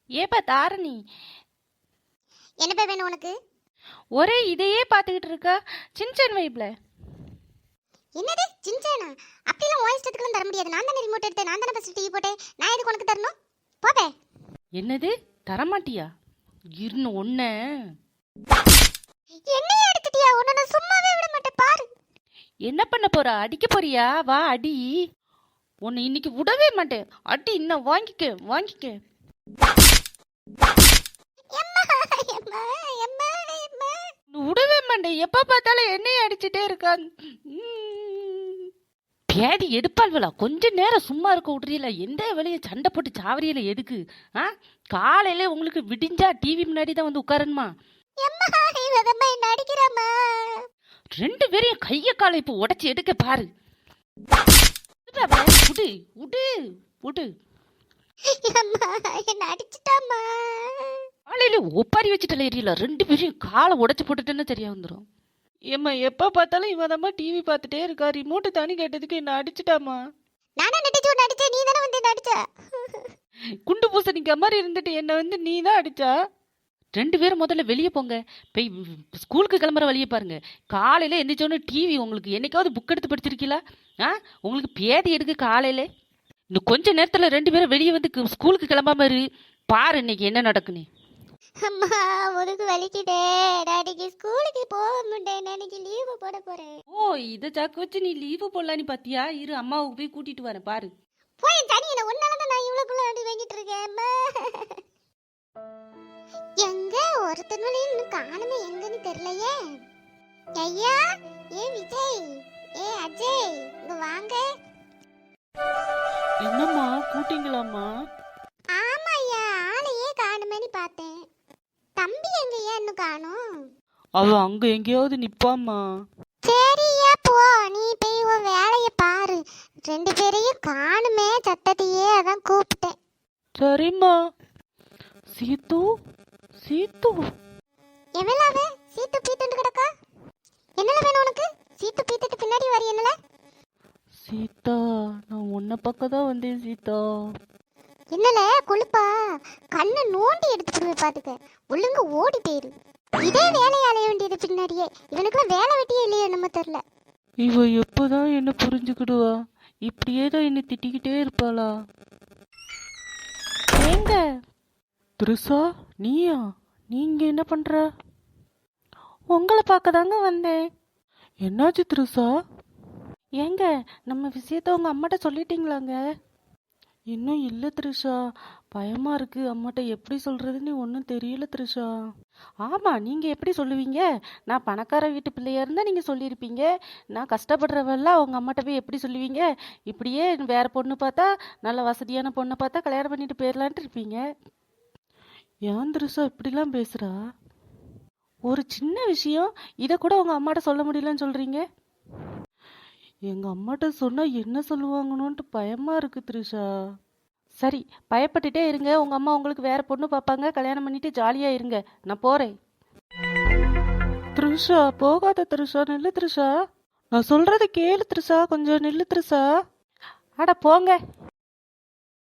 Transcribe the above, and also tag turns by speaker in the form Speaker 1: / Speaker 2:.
Speaker 1: ஏப்பா தாரணி,
Speaker 2: என்னப்பா வேணும் உனக்கு?
Speaker 1: ஒரே இதையே பார்த்துக்கிட்டு இருக்கா. சின்சன் வைப்ல.
Speaker 2: என்னது சின்சானா? அப்படிலாம் வாய்ஸ் எடுத்துக்கலாம் தர முடியாது. நான் தானே ரிமோட் எடுத்தேன், நான் தானே ஃபர்ஸ்ட் டிவி போட்டேன். நான் எதுக்கு உனக்கு தரணும்? போப்பே.
Speaker 1: என்னது தரமாட்டியா? இருன்னு ஒன்ன
Speaker 2: என்னைய எடுத்துட்டியா? உன்னை நான் சும்மாவே விட மாட்டேன் பாரு.
Speaker 1: என்ன பண்ண போறா? அடிக்க போறியா? வா அடி. உன்னை இன்னைக்கு விடவே மாட்டேன். அடி இன்னும் வாங்கிக்க வாங்கிக்க.
Speaker 2: எம்மா எம்மா எம்மா எம்மா.
Speaker 1: விடவே மாட்டேன். எப்ப பார்த்தாலும் என்னையே அடிச்சுட்டே இருக்கான். பேதி எடுப்பாள்வலா. கொஞ்ச நேரம் சும்மா இருக்க விட்றீல. எந்த வேலையை சண்டை போட்டு சாவரியல எதுக்கு? காலையில உங்களுக்கு விடிஞ்சா டிவி முன்னாடி தான் வந்து உட்காரணுமா?
Speaker 2: எம்மா இவதம்மா என்ன அடிக்கிறாமா?
Speaker 1: ரெண்டு பேரையும் கைய காலை இப்போ உடைச்சு எடுக்க பாரு. விடு விடு விடு.
Speaker 2: எம்மா என்ன அடிச்சிட்டாமா?
Speaker 1: காலையில ஒப்பாரி வச்சுட்டல எரியல. ரெண்டு பேரையும் காலை உடைச்சு போட்டுட்டேன்னு சரியா வந்துடும். ஏம்மா எப்ப பார்த்தாலும் இவதம்மா டிவி பார்த்துட்டே இருக்கா. ரிமோட்டு தானி கேட்டதுக்கு என்ன அடிச்சுட்டாமா?
Speaker 2: நானே நடிச்சு உன்னை அடிச்சேன், நீ தானே வந்து என்ன அடிச்ச?
Speaker 1: குண்டு பூசணிக்க மாதிரி இருந்துட்டு என்ன வந்து நீ தான் அடிச்சா. ரெண்டு பேரும் முதல்ல வெளியே போங்க. போய் ஸ்கூலுக்கு கிளம்புற வழியை பாருங்க. காலையில எந்திரிச்சோன்னு டிவி உங்களுக்கு என்னைக்காவது புக் எடுத்து படிச்சிருக்கீங்களா? உங்களுக்கு பேதி எடுக்க காலையில. இன்னும் கொஞ்ச நேரத்துல ரெண்டு பேரும் வெளியே வந்து ஸ்கூலுக்கு கிளம்பாம இரு. பாரு இன்னைக்கு என்ன நடக்குன்னு.
Speaker 2: அம்மா உனக்கு வலிக்குதே. நாளைக்கு ஸ்கூலுக்கு போக முடியேன். நாளைக்கு லீவு போட போறேன்.
Speaker 1: ஓ, இதை சாக்கு வச்சு நீ லீவு போடலான்னு பாத்தியா? இரு அம்மாவுக்கு போய் கூட்டிட்டு வரேன் பாரு.
Speaker 2: போய் தனியில உன்னாலதான் நான் இவ்வளவுக்குள்ள அடி வாங்கிட்டு இருக்கேன். அம்மா எங்க ஒருத்தனும் இன்னும் காணுமே, எங்கன்னு தெரியலையே. ஐயா, ஏ விஜய், ஏ அஜய், இங்க வாங்க.
Speaker 1: என்னம்மா கூட்டிங்களாம்மா?
Speaker 2: ஆமா ஐயா, ஆளையே காணுமேன்னு பார்த்தேன். தம்பி எங்க ஏன் இன்னும் காணும்?
Speaker 1: அவ அங்க எங்கேயாவது நிப்பாம்மா.
Speaker 2: சரியா போ, நீ போய் உன் வேலையை பாரு. ரெண்டு பேரையும் காணுமே சத்தத்தையே, அதான் கூப்பிட்டேன்.
Speaker 1: சரிம்மா. சீத்து சீத்து.
Speaker 2: எவ்வளவு சீத்து பீத்துட்டு கிடக்கா? என்னல வேணும் உனக்கு? சீத்து பீத்துட்டு பின்னாடி வரி என்னல?
Speaker 1: சீதா, நான் உன்னை பக்கம் தான் வந்தேன் சீதா.
Speaker 2: என்னல கொழுப்பா? கண்ணை நோண்டி எடுத்துட்டு பாத்துக்க. ஒழுங்கு ஓடி போயிரு. இதே வேலையை அலைய வேண்டியது பின்னாடியே. இவனுக்குலாம் வேலை வெட்டியே இல்லையே நம்ம தெரியல.
Speaker 1: இவ எப்போதான் என்ன புரிஞ்சுக்கிடுவா? இப்படியே தான் என்ன திட்டிக்கிட்டே இருப்பாளா? ஏங்க திருசா, நீயா? நீங்க என்ன பண்ற? உங்களை பார்க்க தாங்க வந்தேன். என்னாச்சு திருசா? ஏங்க நம்ம விஷயத்த உங்க அம்மாட்ட சொல்லிட்டீங்களாங்க? இன்னும் இல்லை த்ரிஷா. பயமா இருக்கு. அம்மாட்ட எப்படி சொல்றதுன்னு ஒன்றும் தெரியல த்ரிஷா. ஆமா, நீங்க எப்படி சொல்லுவீங்க? நான் பணக்கார வீட்டு பிள்ளையா இருந்தா நீங்க சொல்லியிருப்பீங்க. நான் கஷ்டப்படுறவெல்லாம் உங்க அம்மாட்ட போய் எப்படி சொல்லுவீங்க? இப்படியே வேற பொண்ணு பார்த்தா, நல்ல வசதியான பொண்ணை பார்த்தா கல்யாணம் பண்ணிட்டு போயிடலான்ட்டு இருப்பீங்க. ஏன் த்ரிஷா இப்படிலாம் பேசுறா? ஒரு சின்ன விஷயம், இதை கூட உங்க அம்மாட்ட சொல்ல முடியலன்னு சொல்றீங்க. எங்க அம்மாட்ட சொன்னா என்ன சொல்லுவாங்கன்னு பயமா இருக்கு த்ரிஷா. சரி, பயப்பட்டுட்டே இருங்க. உங்க அம்மா உங்களுக்கு வேற பொண்ணு பார்ப்பாங்க. கல்யாணம் பண்ணிட்டு ஜாலியா இருங்க. நான் போறேன். த்ரிஷா போகாத த்ரிஷா, நில்லு த்ரிஷா. நான் சொல்றத கேளு த்ரிஷா, கொஞ்சம் நில்லு த்ரிஷா. அட போங்க.